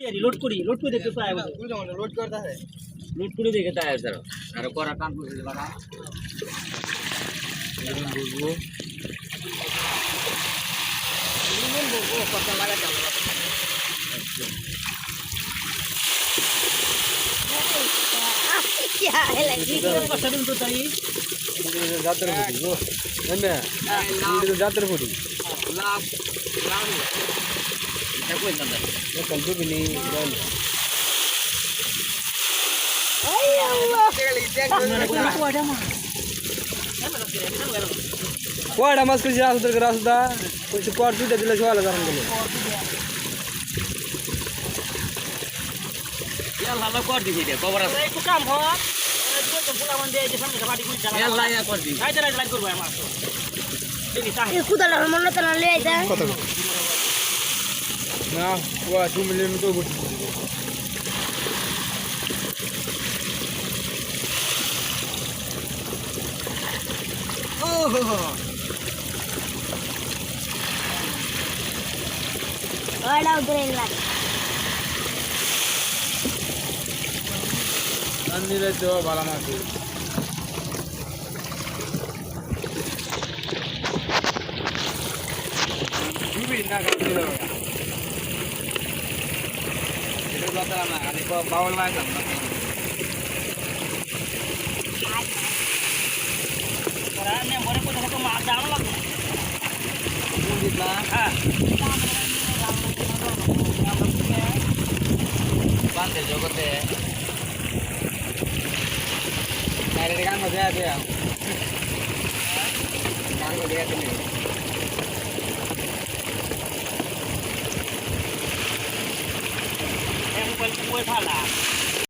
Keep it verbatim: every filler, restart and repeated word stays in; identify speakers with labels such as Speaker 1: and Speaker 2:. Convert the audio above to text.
Speaker 1: load করি load করে দেখতে পাই
Speaker 2: লোড করতে है
Speaker 3: লুট করে দেখে তাই স্যার আর করা কাম করে দিবা না বুঝবো
Speaker 1: নিমন বলবো কত লাগা যাবে क्या है लगी कष्ट दिन तो ताई
Speaker 2: जातर फुटी गो एमे वीडियो जातर फुटी
Speaker 3: लाभ लाभ এটা কই না
Speaker 2: ये कल तो भी नहीं बोल कोड़ा मस्क जा उधर करा सुदा कुछ कोड़ तू दिला छवाला करन गेले
Speaker 3: यार हाला कर दी दे खबर আছে
Speaker 1: একটু কাম হয় এই তো ফুলা মন দিয়ে যে সামনে বাড়ি কুই চালা
Speaker 3: यार लाया कर दी
Speaker 1: আই তারা লাইক করব আমার দেখি তাই
Speaker 4: ये कुदाला मन तना ले आइता
Speaker 2: কত না ওয়া दो মিলিয়ন তো গুটি
Speaker 3: ओहो
Speaker 4: बड़ा उधर इला
Speaker 2: अन्नीले तो भाला माछी जुबी ना काटिलो
Speaker 3: itu kata lama kali bawa bawa lagi
Speaker 1: कराने मोरे को देखो मार जाम लग
Speaker 3: kita
Speaker 1: हां
Speaker 3: bante jogote dari kan mau dia dia kan mau dia ini
Speaker 1: em quên quên pha là